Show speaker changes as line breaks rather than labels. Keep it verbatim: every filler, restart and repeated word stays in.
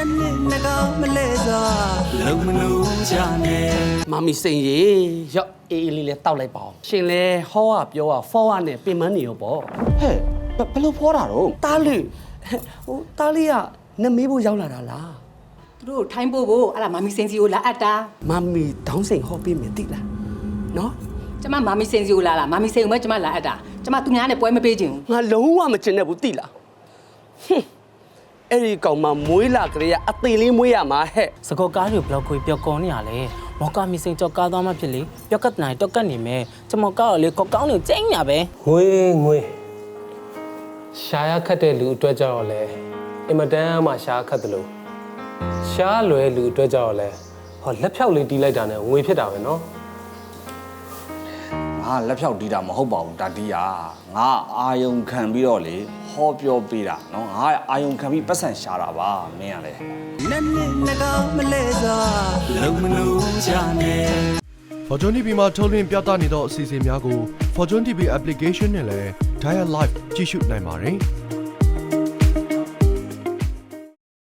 妈咪生日要 A 哩哩到来包，现在好啊表啊，好啊呢，变满年有包。
ဟဲ့ဘဘလို့ဖောတာတော့
大绿，哦大绿啊，那没不要来了啦。
သူတို့ထိုင်းဖို့ကိုအဲ့ဒါမာမီစင်စီကိုလာအပ်တာ
妈咪当成好变没得了，喏，
ကျမမာမီစင်စီကိုလာလာမာမီစင်ကိုပဲကျမလာအပ်တာကျမသူများနဲ့ပွဲမပေးချင်ဘူး
我龙王没真的不对了，哼，哎，你讲嘛，每啦个呀，啊对哩每呀嘛嘿，
စကောကားတွေဘလောက်ခွေပြောကောင်းနေရလဲမော်ကာမီစင်ကြောက်ကားသွားမှဖြစ်လေပြောက်ကတ်နိုင်တော့ကတ်နေမယ်ကျမကောက်လေကောက်ကောင်းနေကျင်းညာပဲ
ငွေငွေရှာရခတ်တဲ့လူအတွက်ကြောက်လဲအင်မတန်မှရှာခတ်တယ်လို့ရှာလွယ်လူအတွက်ကြောက်လဲဟောလက်ဖြောက်လေးတီးလိုက်တာနဲ့ငွေဖြစ်တာပဲနော်
ငါလက်ဖြောက်တီးတာမဟုတ်ပါဘူးဒါတီးရငါအာယုံခံပြီးတော့လေဟောပြောပေးတာနော်ငါအာယုံခံပြီးပတ်စံရှာတာပါမင်းကလေ
Fortune တီဗီ မှာထုတ်လွှင့်ပြသနေသောအစီအစဉ်များကို Fortune တီဗီ application နဲ့လည်း Dial Live ကြည့်ရှုနိုင်ပါတယ်